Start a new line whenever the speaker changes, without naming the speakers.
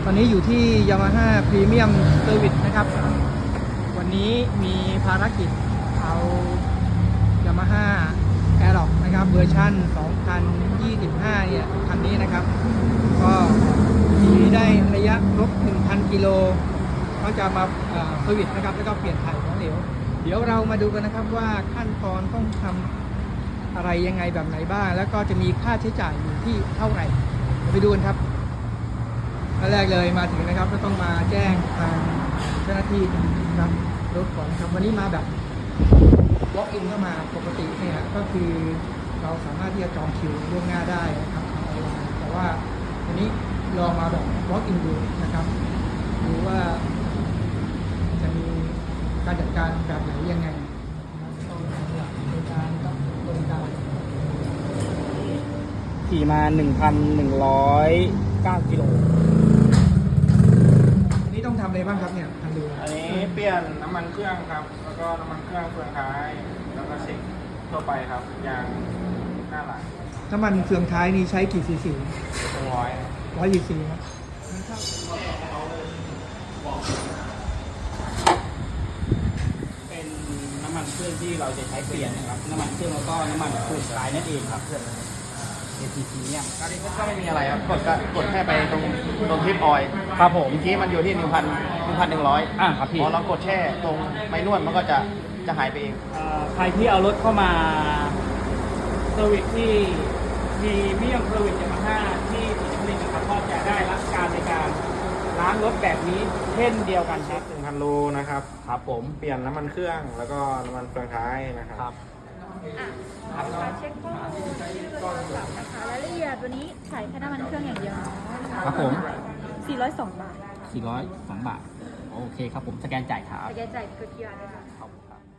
อนนี้อยู่ที่ Yamaha Premium Service นะครับ วันนี้มีภารกิจเอา Yamaha Aerox นะครับเวอร์ชัน2025 เนี่ยคันนี้นะครับ ก็ขี่ได้ระยะครบ 1,000 กิโลเขาจะมาเซอร์วิสนะครับแล้วก็เปลี่ยนถ่ายของเหลว เดี๋ยวเรามาดูกันนะครับว่าขั้นตอนต้องทำอะไรยังไงแบบไหนบ้าง แล้วก็จะมีค่าใช้จ่ายอยู่ที่เท่าไหร่เดี๋ยวไปดูกันครับขั้นแรกเลยมาถึงนะครับก็ต้องมาแจ้งทางเจ้าหน้าที่นะครับรถก่อนครับวันนี้มาแบบ walk in เข้ามาปกติเนี่ยก็คือเราสามารถที่จะจองคิวล่วงหน้าได้นะครับทางออนไลน์แต่ว่าวันนี้ลองมาแบบ walk in ดูนะครับดูว่าจะมีการจัดการแบบไหนยังไงต้องหลักในการกับบริการ
ขี่มา 1,109 กิโล
อันนี้ต้องทำอะไรบ้างครับเนี่ยทางดู
อันนี้เปลี่ยนน้ำมันเครื่องครับ แล้วก็น้ำมันเครื่องเฟืองท้าย แล้วก็เช็คทั่วไปครับยางหน้าหลัง
น้ำมันเฟืองท้ายนี่ใช้กี่ซีซี
200
100 ซีซีครับ
เป็นน้ำมันเครื่องที่เราจะใช้เปลี่ยนนะครับ น้ำมันเครื่องแล้วก็น้ำมันฟูลสายนั่นเองครับ ATP เนี่ย
อันนี้ก็ไม่มีอะไรครับ กดแค่ไปตรงทิปออยล์
ครับผม
ทีมันอยู่ที่ 1,100
ครับพี่
พอเรากดแช่ตรงไม้นวดมันก็จะหายไปเอง
ใครที่เอารถเข้ามาเซอร์วิสที่มีเมี่ยงเซอร์วิสYamahaที่ศรีนครินทร์นะครับก็จะได้รับการในการล้างรถแบบนี้เช่นเดียวกันครับ
1,000 โลนะครับ
ครับผม
เปลี่ยนน้ำมันเครื่องแล้วก็น้ำมันเฟืองท้ายนะครับ
การเช็คข้อมูลชื่อตัวหลักนะคะรายละเอียดวันนี้ขายแค่น้ำมันเครื่องอย่างเดียวเนาะ
ครับผม
402 บาท
402 บาท โอเคครับผม สแกนจ่ายครับ
แต่แกจ่ายคือ QR ได้ค่ะ
ขอบคุณครับ